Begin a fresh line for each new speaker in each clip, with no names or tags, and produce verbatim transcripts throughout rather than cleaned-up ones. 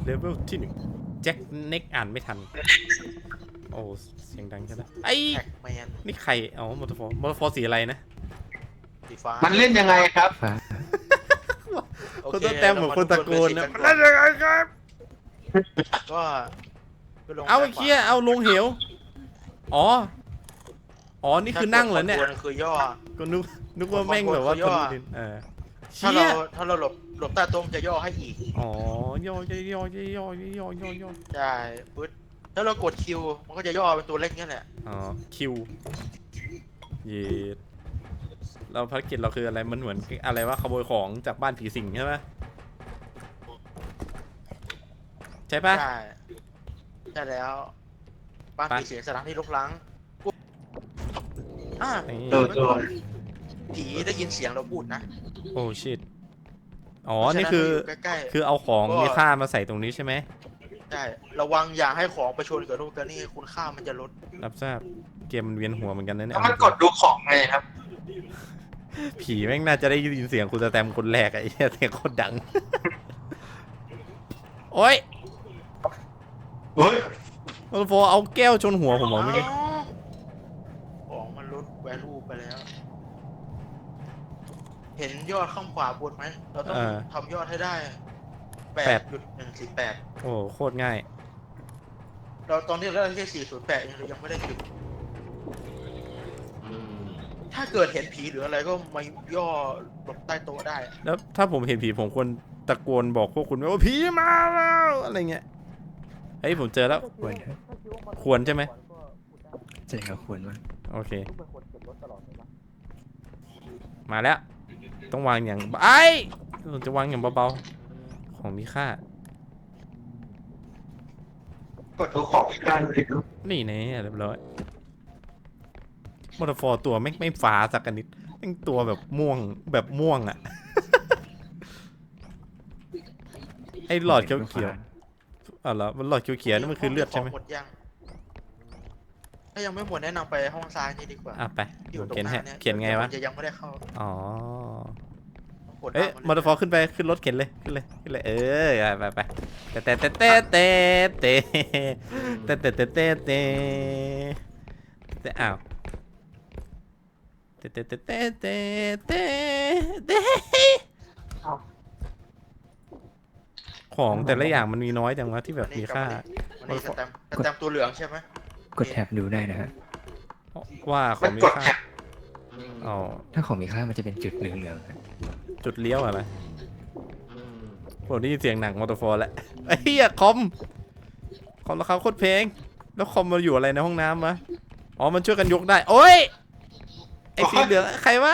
เลเวลที่หนึ่งแจ็คเน็กอ่านไม่ทันโอ้เสียงดังจังนะไอ้นี่ใครอ๋อมอเตอร์ฟอร์มอเตอร์ฟอร์สีอะไรนะ
สีฟ้า
มันเล่นยังไงครับ
คนตัวแต้มเหมือนคนตะโกนนะมันเล่นยังไงครับ
ก็
เอาไอ้เคี้ยเอาลงเหวอ๋ออ๋อนี่คือนั่งเหรอเนี่ย
คือย่อ
ก็นึกนึกว่าแม่งแบบว่าทะลุดินเออ
ถ้าเราถ้าเราหลบหลบใต้โต๊ะจะย่อให้อีก
อ๋อย่อย่อย่อย่อย่อย่อย่อย่อ
ใช่ปึ๊ดถ้าเรากดคิวมันก็จะย่อเป็นตัวเล็กนี่แหละ
อ๋อคิวเยดเราภารกิจเราคืออะไรมันเหมือนอะไรว่าขโมยของจากบ้านผีสิงใช่ไหมใช่ปะ
ใช่ใช่แล้วบ้านผีสิงสถานที่รกร้างอ่าผีได้ยินเสียงเราพูดนะ
โอ้ชิตอ๋อนี่คือคือเอาของมีค่ามาใส่ตรงนี้ใช่ไหม
ใช่ระวังอย่าให้ของไปชนกับลูกกระนี่คุณค่ามันจะลด
รับทราบเกมมันเวียนหัวเหมือนกันนะเนี่ย
แล้วมันกดดูของไงครับ
ผีแม่งน่าจะได้ยินเสียงคุณแตมคนแรกไอ้เหี้ยเสียงโคตรดังโอ้ย
โอ้ย
โอ้โหเอาแก้วชนหัวผมเหรอเมื่อกี้
ของมันลดแวลูไปแล้วเห็นยอดข้างขวาบนไหมเราต้องทำยอดให้ได้แปดจุดหนึ่งสี่แปด
โอ้โคตรง่าย
เราตอนนี้เราได้แค่สี่ศูนย์แปดเรายังไม่ได้จุดถ้าเกิดเห็นผีหรืออะไรก็มาย่อหลบใต้โต๊ะได้
แล้วถ้าผมเห็นผีผมควรตะโกนบอกพวกคุณว่าผีมาแล้วอะไรเงี้ยเฮ้ยผมเจอแล้ว
ควร
ควรใช่ไหม
ใช่ครับควรมาก
โอเคมาแล้วต้องวางอย่างไอ้ผมจะวางอย่างเบาๆของมีค่าก
ดดูของอีกการเลย
นี่แน่เรียบร้อยมอเตอร์ฟอร์ตัวไม่ไม่ฟ้าสักนิดแม่งตัวแบบม่วงแบบม่วงอ่ะไอ้หลอดเขียวเขียวอ๋อเหรอมันหลอดเขียวเขียวนั่นมันคือเลือดใช่ไหม
ถ้ายังไม่หมดแนะนำไปห้องซ้ายนี่ดีกว่า
อ่ะไปเขียนให้เขียนไงวะ
จะยังไม่ได้เข้า
อ๋อเอ๊ะมอเตอร์ฟอร์ขึ้นไปขึ้นรถเข็นเลยขึ้นเลยขึ้นเลยเออไปไปแต่แต่แต่แต่แต่แต่แต่แต่แต่แต่แต่แต่อ้าวแต่แต่แต่แต่แต่แต่แต่ของแต่ละอย่างมันมีน้อยจังวะที่แบบมีค่า
มันสแตมป์สแตมป์ตัวเหลืองใช่ไหม
กดแท็บดูได้นะฮะ
ว่าของมีค่าอ๋อ
ถ้าของมีค่ามันจะเป็นจุดเหลือง
ๆจุดเลี้ยวอะไรผมได้ยินเสียงหนังมอเตอร์ฟอร์แล้วไอ้เหี้ยคอมคอมราคาโคตรแพงแล้วคอมมาอยู่อะไรในห้องน้ำมะอ๋อมันช่วยกันยกได้โอ้ยไอ้สีเหลืองใครวะ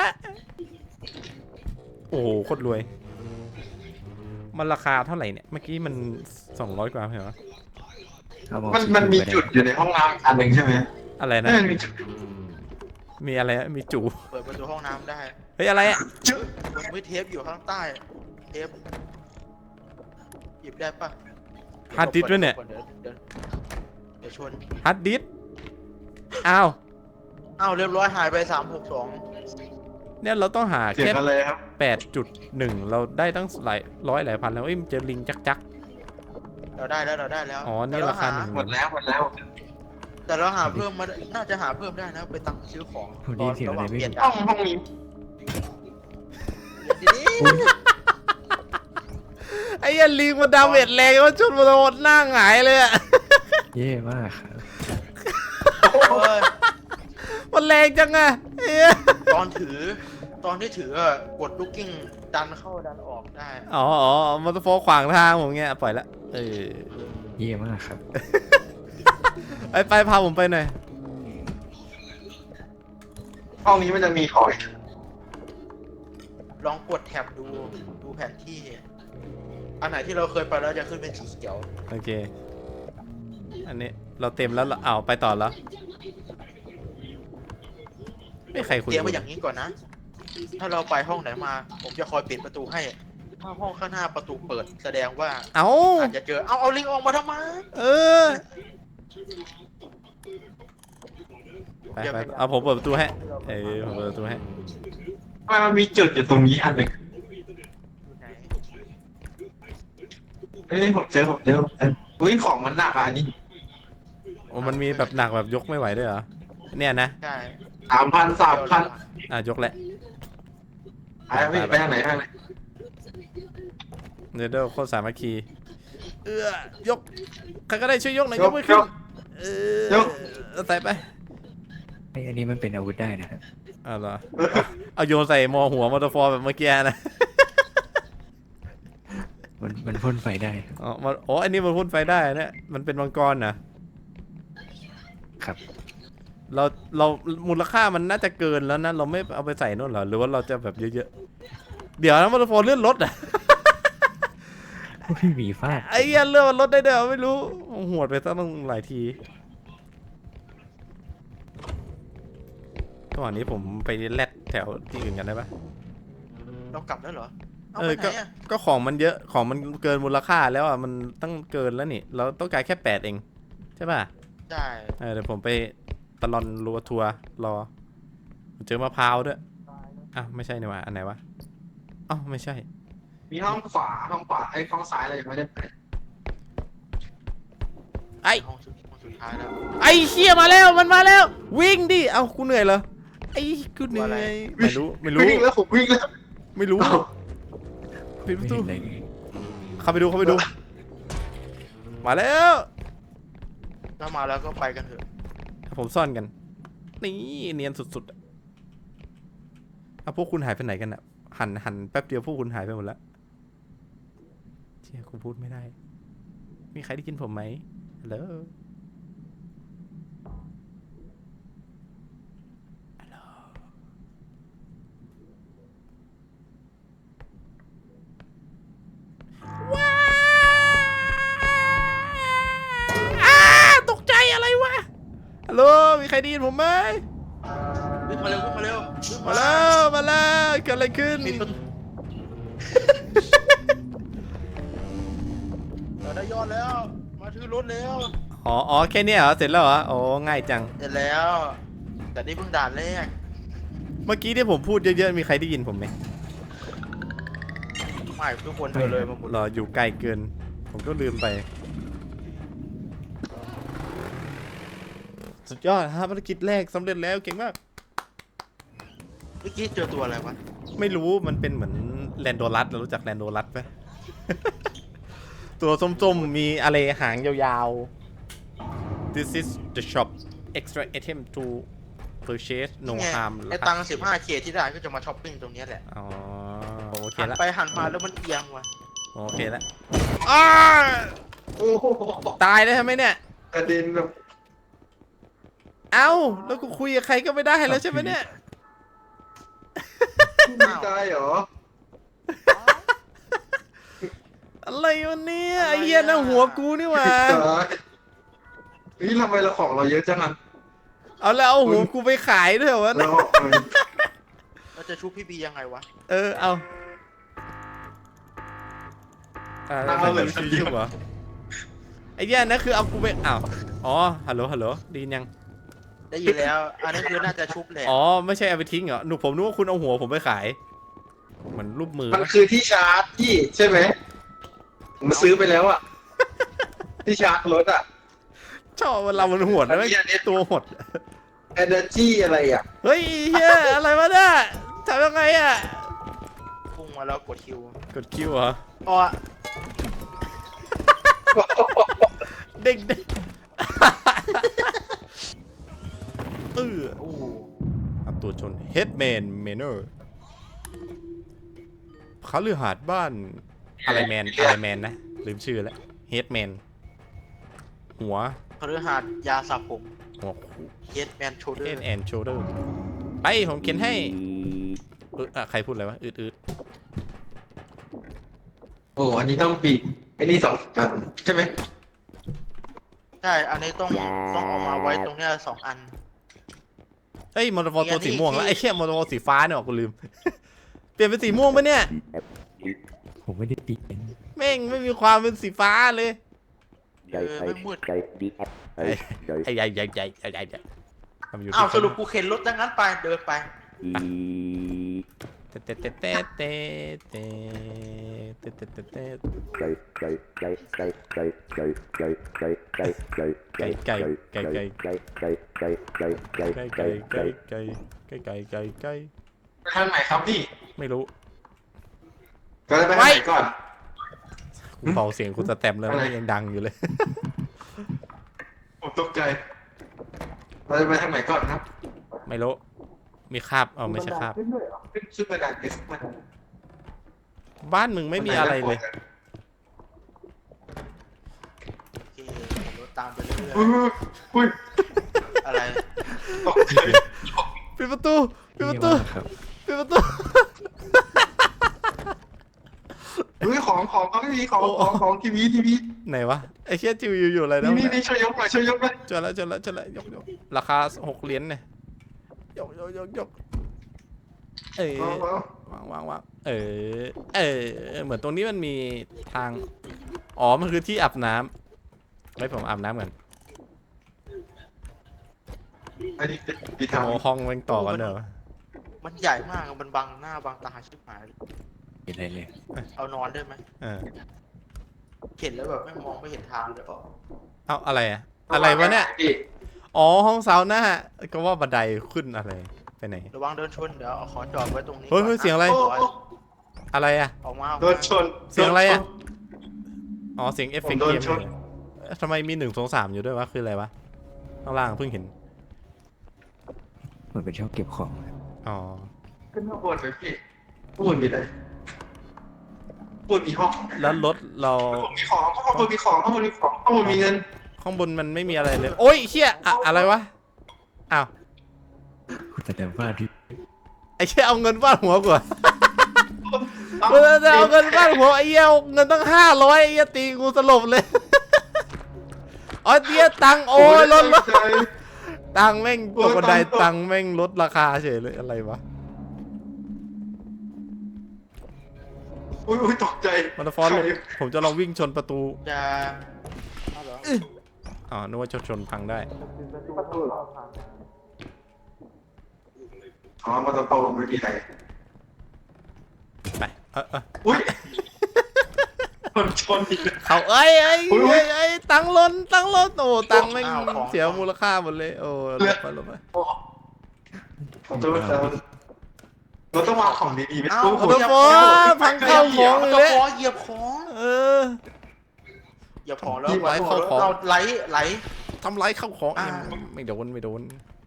โอ้โหโคตรรวยมันราคาเท่าไหร่เนี่ยเมื่อกี้มันสองร้อยกว่าเหรอ
มันมันมีจุดอยู่ในห้องน้ำอันหนึ่งใช่ไหม
อะไรนะมีอะไรมีจู
เปิดประตูห้องน้ำได้
เฮ้ยอะไรอ่ะ
มันมีเทปอยู่ข้างใต้เทปหยิบได้ปะ
ฮาร์ดดิสก์ด้วยเนี่ย
เดี๋ยวชน
ฮาร์ดดิสก์อ้าว
อ้าวเรียบร้อยหายไปสามหกสอง
เนี่ยเราต้องหาแค่แปดจุดหนึ่งเราได้ตั้งหลายร้อยหลายพันแล้วเอ้ยมันเจอลิงจักจัก
เราได้แล้วเราได้แล้ว
อ๋อนี่ราคาหนึ่ง
หมดแล้วหมดแล้ว
แต่เราหาเพิ่มมาน่าจะหาเพิ่มได้นะไปตังซื้อของ
ตอนระหว่างเปลี่ยน
ห้องห้องนี้
ไอ้ยันลิงมันดาเมจแรงว่าจุดมันโดนหน้าหงายเลยอะ
เย่มากครับ
มันแรงจังอะ
ตอนถือตอนที่ถือกดลูกกิ้งดันเข้าดันออกได้
อ๋ออ๋อมอเตอร์โฟร์ขวางทางผมเงี้ยปล่อยละเออ
เย่มากครับ
ไปไปพาผมไปหน่อย
ห้องนี้มันจะมีของ
ลองกดแท็บดูดูแผนที่อันไหนที่เราเคยไปแล้วจะขึ้นเป็นสีเขียว
โอเคอันนี้เราเต็มแล้วเอาไปต่อแล้วไม่ใครคุย
เตรียมไว้อย่างนี้ก่อนนะถ้าเราไปห้องไหนมาผมจะคอยปิดประตูให้ถ้าห้องข้างหน้าประตูเปิดแสดงว่า
เอา
อาจจะเจอเอาเอาลิงออกมาทำไม
เออไปไปเอาผมเปิดประตูให้เออผมเปิดประตูให้
มันมีจุดอยู่ตรงนี้อันหนึ่งเอ้ยผมเจอผมเจอผมเจออุ้ยของมันหนักอ่ะอันนี้
โอ้มันมีแบบหนักแบบยกไม่ไหวด้วยเหรอเนี่ยนะ
ใช่
สามพันสามพัน
อ่ะยกแหละ
ไปพี่ไปทางไหนทางไหน
เนเดอร์โคตรสามัคคีเอื้อยกใครก็ได้ช่วยยกหน่อยยกไม่ขึ้นเออใส่ไป
ไอ้อันนี้มันเป็นอาวุธได้นะครับ
อ้าวเหรอเอาโยนใส่มอหัวมอเตอร์ฟอร์แบบเมื่อกี้นะ
มันมันพ่นไฟได้
อ๋อมันอ๋ออันนี้มันพ่นไฟได้เนี่ยมันเป็นมังกรนะ
ครับ
เราเรามูลค่ามันน่าจะเกินแล้วนะเราไม่เอาไปใส่นู่นเหรอหรือว่าเราจะแบบเยอะๆเดี๋ยวนะมอเตอร์ฟอร์เลื่อนรถอ่ะ
พี่หมีฟาด
ไอ้เหี้ยเลื่อนรถได้เด้อไม่รู้หวดไปตั้งหลายทีระหว่างนี้ผมไปแลดแถวที่อื่นกันได้ปะ
เรากลับแล้วเหรอเอา
เอ
ไป
อ
ไหน
ก็
อ่ะ
ก็ของมันเยอะของมันเกินมูลค่าแล้วอ่ะมันตั้งเกินแล้วนี่เราต้องการแค่แปดเองใช่ป่ะ
ใช่
เออเดี๋ยวผมไปตลอนรัวทัวร์รอเจอมะพร้าวด้วยอ้าวไม่ใช่นี่หว่าอันไหนวะอ้าวไม่ใช่
มีห้องขวาห้องขวาไอ้ห้องซ้ายอะไรยังไม่ได้ไป
ไอ้
ห้องสุดห้องสุดท้ายแล้ว
ไอ้เชี่ยมาแล้วมันมาแล้ว วิ่งดิเอ้ากูเหนื่อยเหรอไอ้กูเหนื่อยไม่รู้ไม่รู้
วิ่งแล้วผมวิ่งแล้ว
ไม่รู้
เอ้า
ปิดป
ไม่
ระตู
เห็นอะไรเลย
เข้าไปดูเข้าไปดู มาแล้ว
ถ้ามาแล้วก็ไปกันเถอะ
ผมซ่อนกัน นี่เนียนสุดๆอะเอาพวกคุณหายไปไหนกันอะหันหันแป๊บเดียวพวกคุณหายไปหมดแล้วเชี่ยกูพูดไม่ได้ มีใครได้ยินผมไหมฮัลโหลฮัลโหลว้าวอ้าตกใจอะไรวะฮัลโหลมีใครได้ยินผมไหม
วิ่งมาเร็ววิ่งมาเร็ววิ่ง
มาแล้วมาแล้วเกิดอะไรขึ้น
ปิดประตูเราได้ยอดแล้ว มาถือรถแล้ว
อ๋ออ๋อแค่เนี้ยเหรอเสร็จแล้วเหรอโอ้ง่ายจัง
เสร็จแล้ว แต่นี่เพิ่งด่านแรก
เมื่อกี้ที่ผมพูดเยอะๆมีใครได้ยินผมไหม
ไม่ทุกคนเดินเลยมาหมด
รออยู่ไกลเกิน ผมก็ลืมไป สุดยอดฮะภารกิจแรกสำเร็จแล้วเก่งมาก
เมื่อกี้เจอตัวอะไรวะ
ไม่รู้มันเป็นเหมือนแลนโดรัสเรารู้จักแลนโดรัสไหม ตัวส้มๆ มีอะไรหางยาวๆ This is the shop extra item to purchase no
นี่ไง
harm
ไอ้ตังสิบห้าเคที่ได้ก็จะมาช้อปปิ้งตรงเนี้ยแหละ
อ๋อโอเค
หัน
ละ
ไปหันมาแล้วมันเอียงว่ะ
โอเคแล้วอ้า
โอ้โห
ตายแล้วใช่ไหมเนี่ย
กระเด็นแบบ
เอ้า แล้วกูคุยกับใครก็ไม่ได้แล้วใช่ไหมเนี่ย
ไม่ตายเหรอ
อะไรวะเนี่ยไอ้เหี้ยนะหัวกูนี่หว่า
ตายนี่ทำไมเราของเราเยอะจังอ่ะ
เอาแล้วเอาหัวกูไปขายด้วยเหรอวะ
เรา
เราจะชุบพี่บียังไงวะ
เออ เอาอ่าแล้วเป็นชื่อยุบเหรอไอ้เหี้ยนะคือเอากูไปอ้าวอ๋อ ฮัลโหล ฮัลโหลไดีนยัง
ได้ยินแล้ว อันนี้คือน่าจะชุบแหละ
อ๋อ ไม่ใช่เอาไปทิ้งเหรอหนูผมนึกว่าคุณเอาหัวผมไปขาย เหมือนรูปมือ
มันคือที่ชาร์จที่ใช่ไหมผมซื้อไปแล้วอ่ะ ที่ชาร์จรถอ่ะ
ชอบเวลามันหวดนะ
อันนี้อันนี้
ตัวหด
Energy อะไรอ่ะ
เฮ้ยเฮียอะไรวะเนี่ยทำยังไงอ่ะ
พุ่งมาแล้วกดคิว
กดคิวเหรอ
อ๋อ
เด็กเด็กเออ
โอ้โห
อับตัวชน Headman Manor เขาลือหาดบ้านอะไรแมนอะไรแมนนะ ลืมชื่อแล้ว Headman หัว
พฤหัสยาสระผม
หัว
เฮดแมนโชเดอ
Head
ร์
and Shoulder ไปผมเขียนให้เอออะใครพูดอะไรวะ อืดอืด
โอ้อันนี้ต้องปีกไอ้นี่สองกันใช่ไหม
ใช่ อันนี้ต้องต้องเออกมาไว้ตรงเนี้ยสองอัน
เฮ้ยมอเตอร์ฟอร์
มีอั
ตัวน
นี้
สีม่วงแล้ว
ที่
ไอ้เชี่ยมอเตอร์ฟอร์สีฟ้าเนี่ยกูลืม เปลี่ยนเป็นสีม่วงปะเนี่ย
ผมไม่ได้ปีน
แม่งไม่มีความเป็นสีฟ้าเลย
เออไม่มืด
ไอ้ใหญ่ใหญ่ใหญ่ใหญ่ใหญ่ใหญ่ทำอยู่
อ้าวสรุปกูเข็นรถดังนั้นไปเดินไป
เตะเตะเตะเตะเตะเตะเตะเตะเตะ
ไก่ไก่ไก่ไก่ไก่ไก่ไก่ไก่ไก่ไก่ไก่
ไก่ไก่ไก่ไก่
ไก่ไก่ไก่ไก่ไก่ไก่
ไก่ไก่
ไก่
ไก่ไก่ไก่ไก่ไก่
ไปทางไหนครับพี่
ไม่รู้
ก็จะไปทางไหนก่อน
กูเบาเสียงคุณสแตมป์แล้วมันยังดังอยู่เลย
ผมตกใจเราจะไปทางไหนก่อนครับ
ไม่รู้มีคราบเอาไม่ใช่คราบ
ขึ้นด้วยเหรอขึ้นขึ้นไปดันเอสมัน
บ้านมึงไม่มีอะไรเลย
โอเคผมรถตามไปเรื่อย
อุ้ยอุ้ย
ๆอะไร
ตกใจ
ปิดประตูปิดประตู
นี่ว่าครับ
ปิดประตู
อุ้ยของของเขาไม่มีของของของทีวีทีวี
ไหนวะไอ้เชี่ยจิวอยู่อยู่อะไรนะ
นี่นี่นี่ช่วยยกหน่อยช่วยยกหน่อย
เจอแล้วเจอแล้วเจอแล้วยกยกราคาหกเหรียญเนี่ยยกยกยกยกเออ
เอาเอา
วางวางวางเออเออเหมือนตรงนี้มันมีทางอ๋อมันคือที่อาบน้ำไว้ผมอาบน้ำกัน
อันนี้ดีทาง
โอ้ห้องแม่งต่อกันเนอะ
มันใหญ่มากมันบังหน้าบังตาชิบหาย
มีอะไรเลย
เอานอนได้ไหม
เออ
เห็นแล้วแบบไม่มองไม่เห็นทางเลยเปล่า
เอาอะไรอะอะไรวะเนี่ย
พี่
อ๋อห้องซาวน่าก็ว่าบันไดขึ้นอะไรไปไหน
ระวังเดินชนเดี๋ยวเอาขอจอดไว้ตรงนี้
เฮ้ยเฮ้ย
ก่นน
เสียงอะไร
โอ้โอ้
อะไรอะ
ออกมาออก
โด
มาน
ชน
เสียงอะไรอะ อ๋อเสียงเอฟเฟกต์
ผมโดน
เกม
ชน
เลยเอ๊ะทำไมมีหนึ่งสองสามอยู่ด้วยวะคืออะไรวะข้างล่างเพิ่งเห็น
เหมือนเป็นช่องเก็บของ
อ๋อ
ขึ้นข้างบนเลยพี่ข้างบนมีอะไรข้างบนมีห้อง
แล้วรถเรา
ข้างบนมีของข้างบนมีของข้างบนมีของข้างบนมีเงิน
ข้างบนมันไม่มีอะไรเลย โอ้ยเฮียอะอะไรวะอ้าว
คุณแสดงว่าที่
ไอ้เชี่ยเอาเงินฟาดหัวกูอะกูจะเอาเงินฟาดหัวไอ้เหี้ยเอาเงินตั้งห้าร้อยไอ้เหี้ยตีกูสลบเลยอ๋อเหี้ยตังค์โอ้ยลดลด
ใจ
ตังค์แม่งตกบันได
โอ้ยตั
ตั
ง
ง
ค์
ค์แม่งลดราคาเฉยเลยอะไรวะ
อุ้ยอุ้ยตกใจ
มันฟอนต์ผมจะลองวิ่งชนประตู
จะเอาเหรอ
อ๋อนึกว่าชนชนพังได้
ประตูเหรออ๋อมาตรงโตไม่มีอะไร
ไปเออเออ
อุ้ยคนชนอีกแล้ว
เขาเอ้ยเอ้ย
อุ๊ยอุ๊
เอ้
ย
ยเอ้ยตังค์ล้นตังค์ล้นโอ้ตังค์แม่ง
อ้าวของ
เสียมูลค่าหมดเลยโอ้ลบไปลบไป
ขอโทษครับเราต้องวางของดีๆไม่
เอ้า
รู้
ขอโทษฟอพังเข้าของ
เอา
อีก
ตะ
แล้ว
ขอเหยียบของ
เออ
เหยียบของแล้ว
ไหลเข้าของ
เราไหลไหล
ทำร้ายเข้าของ
อ่า
ไม่ไม่โดนไม่โดน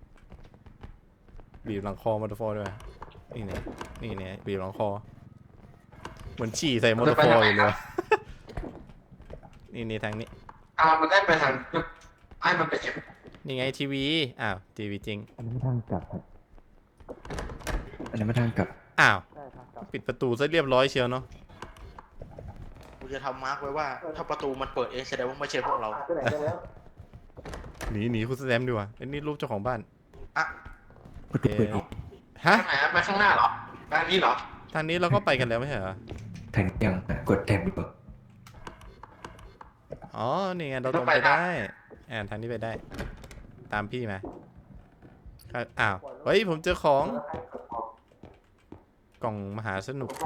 บีบหลังคอมอเตอร์ฟอร์ด้วยนี่เนี่ยนี่เนี่ยบีบหลังคอเหมือนฉี่ใส่มอเตอร์ฟอร์อยู่เลย นี่นี่ทางนี้
อ่ามันได้ไปทางไอ้มันไปเอ็ม
นี่ไงทีวีอ้าวทีวีจริง
อันนี้นไม่ทางกลับครับอันนั้นไม่ทางกลับ
อ้าวปิดประตูซะเรียบร้อยเชียวเนาะ
กูจะทำมาร์กไว้ว่า ถ้าประตูมันเปิดเองแสดงว่าไม่ใช่พวกเรา
หนีหนีคุณแซมดีกว่าไอ้นี่รูปเจ้าของบ้าน
อ่ะ
ประตูเปิดอีก
ฮะ
ทางไหนไปข้างหน้าเหรอด้านนี้เหรอ
ทางนี้เราก็ไปกันแล้วไม่ใช่เหรอ
ทางยังกดแท็บดีกว่า
อ๋อนี่ไงเราตรงไปได้อ่าทางนี้ไปได้ ตามพี่มาครับอ้าวเฮ้ยผมเจอของกล่องมหาสนุก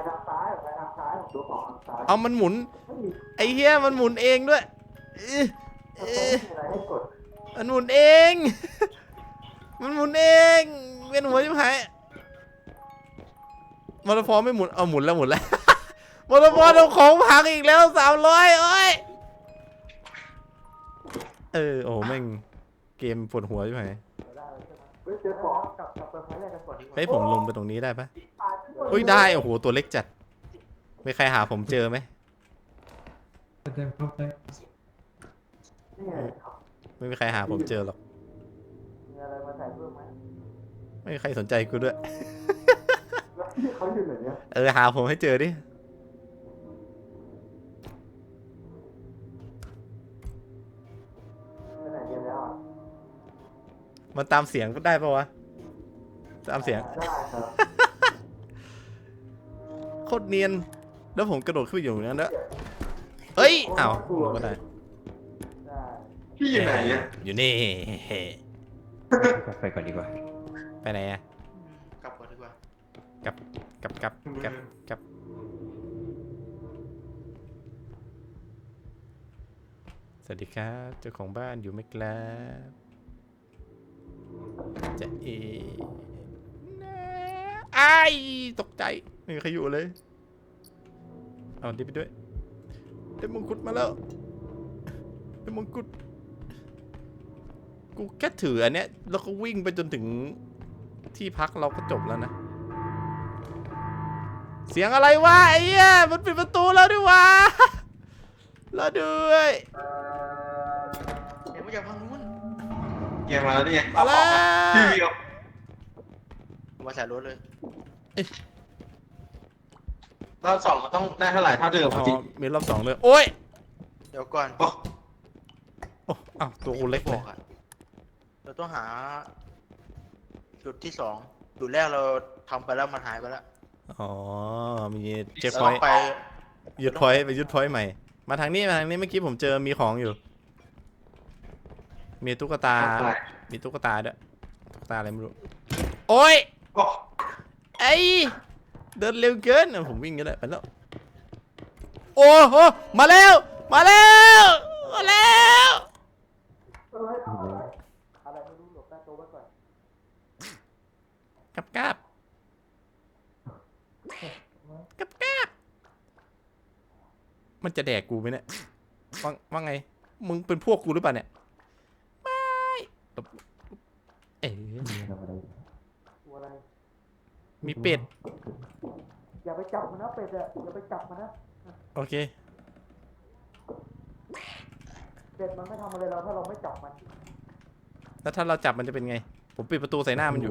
เอามันหมุน ไอ้เหี้ยมันหมุนเองด้วยเอ้ยเอ้ยมันหมุนเอง มันหมุนเองเวียนหัวชิบหายมอเตอร์ฟอร์ไม่หมุน เอาหมุนแล้วหมุนแล้ว มอเตอร์ฟอร์เอาของพังอีกแล้วสามร้อยโอ้ยเออโอ้โหแม่งเกมปวดหัวใช่ไหมเฮ้ยผมลงไปตรงนี้ได้ปะเฮ้ยได้โอ้โหตัวเล็กจัดมีใครหาผมเจอไหมไม่มีใครหาผมเจอหรอกไม่มีใครสนใจกูด้วย เออหาผมให้เจอดิมันตามเสียงก็ได้ปะวะตามเสียง โคตรเนียนแล้วผมกระโดดขึ้นไปอยู่นั้นแล้วเอ้ยอ้าวลงก็ได้
พี่อยู่ไหนเนี่ย
อยู่นี่
กลับไปก่อนดีกว่า
ไปไหนอะ
กลับก่อนดีกว่า
กลับกลับกลับกลับกลับสวัสดีครับเจ้าของบ้านอยู่ไหมครับจะเอไอ้ายตกใจไม่มีใครอยู่เลยเอาดิไปด้วยได้มงกุฎมาแล้วได้มงกุฎกูแค่ถืออันเนี้ยแล้วก็วิ่งไปจนถึงที่พักเราก็จบแล้วนะเสียงอะไรวะไอ้เหี้ยมันปิดประตูแล้วด้วยวะแล้วด้วย
เดี๋ยวมาจากทางนู้น
เกมมาแล้วนี่ไง
มาแล้ว
พี่วิว
มาใส่รถเลย
รอบสองมันต้องได้เท่าไหร่เท่าเดิม
อ๋อ
จริง
มีรอบสองเลยโอ้ย
เดี๋ยวก่อน
โอ้
โอ้อ้าวตัวกูเล็ก
บ
เล
อย กอะเราต้องหา จุดที่สองจุดแรกเราทำไปแล้วมันหายไปแล้ว
อ๋อมีเจ็ค
เรา
พ
ต้
อ
อย ง
ต์
ไป
ยึดพอยต์ไปยึดพอยต์ใหม่มาทางนี้มาทางนี้เมื่อกี้ผมเจอมีของอยู่ มีตุ๊กตา
อะไร
มีตุ๊กตาด้วยตุ๊กตาอะไรไม่รู้โอ้ย
โอ้
ไอ้เดินเร็วเกินอ่ะผมวิ่งกันเลยไปแล้วโอ้โหมาแล้วมาแล้วมาแล้วกับกับกับกับมันจะแดกกูไหมเนี่ยว่าว่าไงมึงเป็นพวกกูหรือเปล่าเนี่ยไม่เอ๋มีเป็ด
อย่าไปจับมันนะเป็ดอะอย่าไปจับมันนะ
โอเค
เป็ดมันไม่ทำอะไรเราถ้าเราไม่จับมัน
แล้วถ้าเราจับมันจะเป็นไง ผมปิดประตูใส่หน้ามันอยู่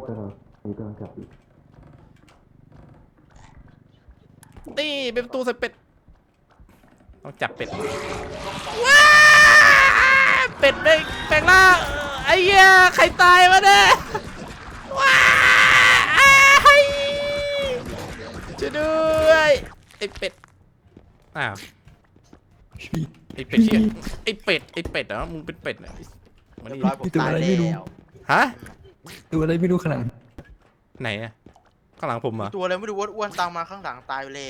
นี่เป็นประตูใส่เป็ด ต้องจับเป็ด ว้าเป็ดแปลงแปลงร่างไอ้เหี้ยใครตายวะเนี่ยว้าไอ้ช่วยด้วยไอ้เป็ด อ้าว ไอ้เป็ดเชี่ยไอ้เป็ด ไอ้เป็ดเหรอมึงเป็นเป็ดเหรอมา
เรีย
นี่
บร้อยผมตายแล้ว
ฮะ
ดูอะไรไม่รู้ขนาด
ไหนอะข้างหลังผมเหรอ
ตัวอะไรไม่รู้อ้วนๆตามมาข้างหลังตายไปแล้ว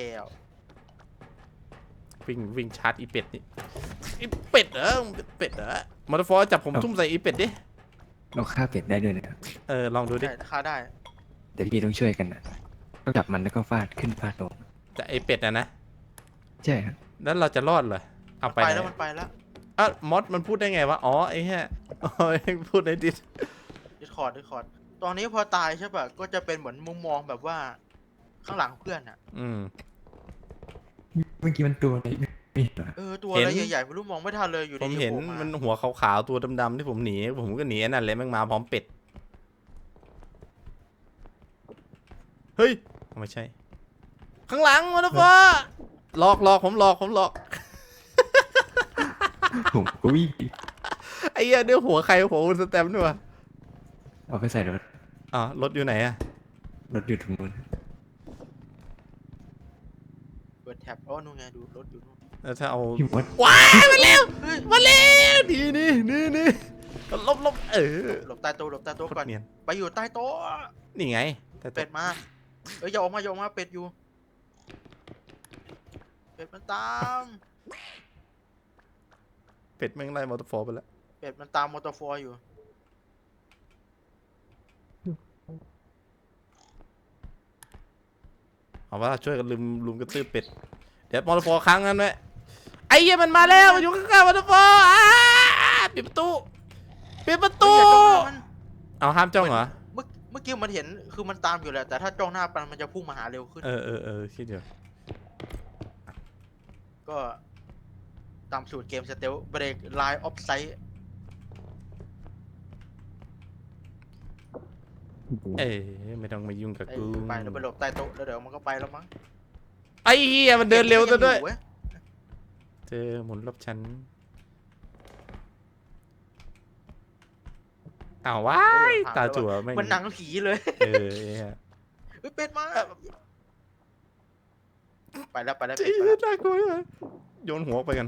วิ่งวิ่งชาร์จอีเป็ดนี่อีเป็ดเหรอมึงเป็นเป็ดเหรอมอเตอร์ฟอร์จับผมทุ่มใส่อีเป็ดดิ
เราฆ่าเป็ดได้ด้วยนะครับ
เออลองดูดิ
ได้ค่าได้
แต่พี่ต้องช่วยกันนะต้องจับมันแล้วก็ฟาดขึ้นฟาดลง
แต่ไอเป็ดอะนะ
ใช่ครับ
แล้วเราจะรอดเหรอเอา
มัน
ไป
ไป
ไหน
แล้วมันไปแล้ว
อ่ะมอสมันพูดได้ไงวะอ๋อไอ้เหี้ยอ๋อพูดในดิส
ดิสคอร์ดดิสคอร์ดตอนนี้พอตายใช่ป่ะก็จะเป็นเหมือนมุมมองแบบว่า ข้างหลังเพื่อนอ่ะ
อืม
เมื่อกี้มันตัวอะไรไม่เห็นเหรอ
เออตัว
เห็น
อะไรใหญ่ๆไม่รู้มองไม่ทันเลยอยู่
ผม
ดีๆ
เห็น
โผล่า
มันหัวขาวๆตัวดำๆที่ผมหนีผมก็หนีอันนั่นเลยแม่งมาพร้อมเป็ดเฮ้ยไม่ใช่ ข้างหลังมอเตอร์ฟอร์หลอกหลอกผมหลอกผมหลอก
ผมก็วิ่ง
ไอ้เหี้ยเนื้อหัวใครหัวคุณสแตมป์ด้วยวะ
เอาไปใส่รถ
อ๋อรถอยู่ไหนอะ
รถอยู่ตรงนู้น
เปิดแท็บอ๋อนู่นไงดูรถอยู่นู่น
แล้วถ้าเอา
พี่มด
ว้ายมาแล้ว
เฮ้ย
มาแล้วนี่นี่นี่นี่ลบลบเออ
หลบใต้โต๊ะหลบใต้โต๊ะ
โคต
ก่อ
ร
น
เนียน
ไปอยู่ใต้โต๊ะ
นี่ไงแต่
เป็ดมาเอ้ยอย่าออกมาอย่าออกมาเป็ดอยู่เป็ดมันตาม
เป็ดแม่งไล่มอเตอร์ฟอร์ไปแล้ว
เป็ดมันตามมอเตอร์ฟอร์อยู่
เอาว่าช่วยกันลุมลุมกระตืบเป็ดเดี๋ยวมอเตอร์ฟอร์ค้างกันไว้ไอ้เหี้ยมันมาแล้วมันอยู่ข้างๆมอเตอร์ฟอร์อ้าปิดประตูปิดประตู
เฮ้ยอย่าจ้องหน้ามัน
เอาห้ามจ้องเหรอ
เมื่อเมื่อกี้มันเห็นคือมันตามอยู่แหละแต่ถ้าจ้องหน้ามันมันจะพุ่งมาหาเร็วขึ้น
เออเออเออคิดเดี๋ยว
ก็ตามสูตรเกมสเตลเบรกไลน์ออฟไซต์
เอ้ยไม่ต้องมายุ่งกับกู
ไปแล้วไปหลบใต้โต๊ะแล้วเดี๋ยวมันก็ไปแล้วมั้ง
ไอ้เหี้ยมันเดินเร็วซะด้วย
เว้ย
เจอหมุนรอบชั้นอ้าวว้ายตาจั่วแม่ง
มันหนังผีเลย
เออไอ้เหี้ย
เฮ้ยเป็ดมาไปแล้วไปแล้ว
จี
เป็ดไปแล้ว
น่ากลัวเลยโยนหัวไปกัน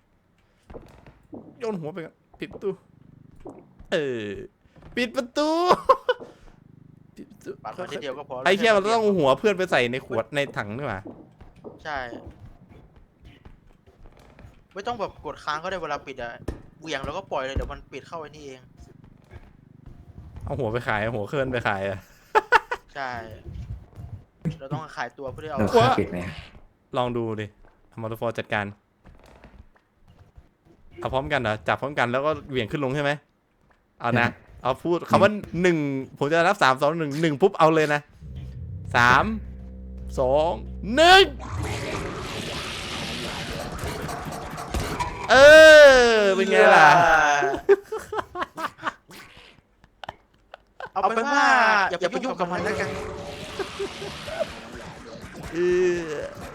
โยนหัวไปกัน ปิดประตู เออ ปิดประตู ปิดประตู
ปาดมาทีเดียวก็พอ
ไอ้เหี้ยมันต้องเอาหัวเพื่อนไปใส่ในขวดในถังนี่หว่า
ใช่ ไม่ต้องแบบกดค้างก็ได้เวลาปิดอะเหวี่ยงแล้วก็ปล่อยเลยเดี๋ยวมันปิดเข้าไอ้นี่เอง
เอาหัวไปขายเอาหัวเคลื่อนไปขายอะ
ใช่ เราต้องขายตัวเพื่อที่เอา
เราฆ่าเป็ดไหม
ลองดูดิเอามอเตอร์ฟอร์จัดการเอาพร้อมกันเหรอจับพร้อมกันแล้วก็เหวี่ยงขึ้นลงใช่ไหมเอานะเอาพูดคำว่าหนึ่งผมจะนับสามสองหนึ่งหนึ่งปุ๊บเอาเลยนะสามสองหนึ่งเออเป็นไงล่ะ
เอาเป็นว่าอย่าไปยุ่งกับมันแล้วกัน
เออ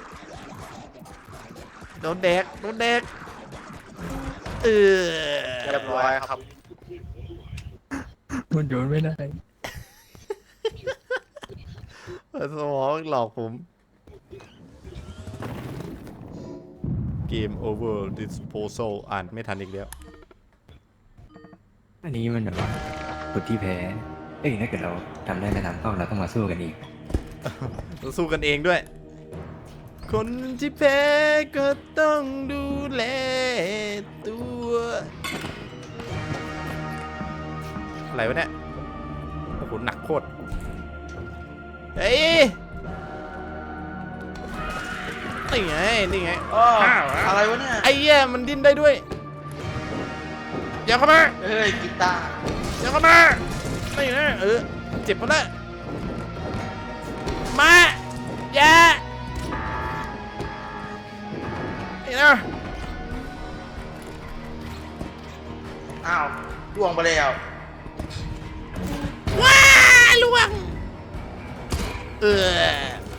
โดนแดกโดนแดกเออ
เรียบร้อยครับ
มันโยนไม่ได้
สมองหลอกผมเกม over disposal อ่านไม่ทันอีกแล้ว
อันนี้มันแบบว่าคนที่แพ้เอ้ยถ้าเกิดเราทำได้ในทางต้องเราต้องมาสู้กันอีก
ต้องสู้กันเองด้วย คนที่แพ้ก็ต้องดูแลตัว อะไรวะเนี่ย โอ้โห หนักโคตร เฮ้ย นี่ไง นี่ไง
อ้ออะไรวะเนี่ย
ไอ้แย่มันดิ้นได้ด้วยอย่าเข้ามา
เฮ้ยกีตาร์
อย่าเข้ามา นี่นะ เออ เจ็บหมดแล้ว มา อย่า นี่นะ
อ้าวล่วงไปแล้ว
ว้าล่วง เออ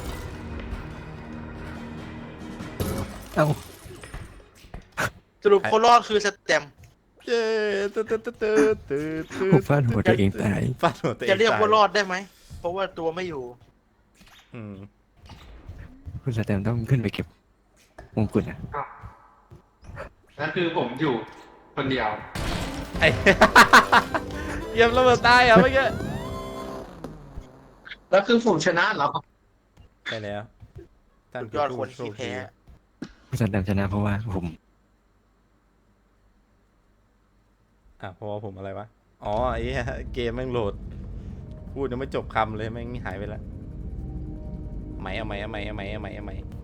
เอ้า
สรุปคนรอดคือสแตมป์
เย้ตึ๊ดตึ๊ดตึ๊ดตึ๊ดตึ๊ดตึ๊ด
ผมฟาดหัวตัวเองตาย
ฟาดหัวตัวเอง
จะเรียก
ต
ว่ารอดได้ไหม เพราะว่าตัวไม่อยู่
อืม
คุณสแตมต้องขึ้นไปเก็บมงกุฎอ่ะ
นั่นคือผมอยู่คนเดียว
ไอ้ เยี่ยมระเบิดตายเหรอเมื่อกี้
แล้วคือผมชนะเหรอ
ใช่แล้วท่าน
สุดยอดคนที่แพ้
คุณสแตมชนะเพราะว่าผม
อ่ะเพราะว่าผมอะไรวะ อ๋อไอ้เหี้ยเกมแม่งโหลด พูดยังไม่จบคำเลยแม่งหายไปแล้วไหมเอาไหมเอาไหมเอาไหมเอาไหมเอาไหม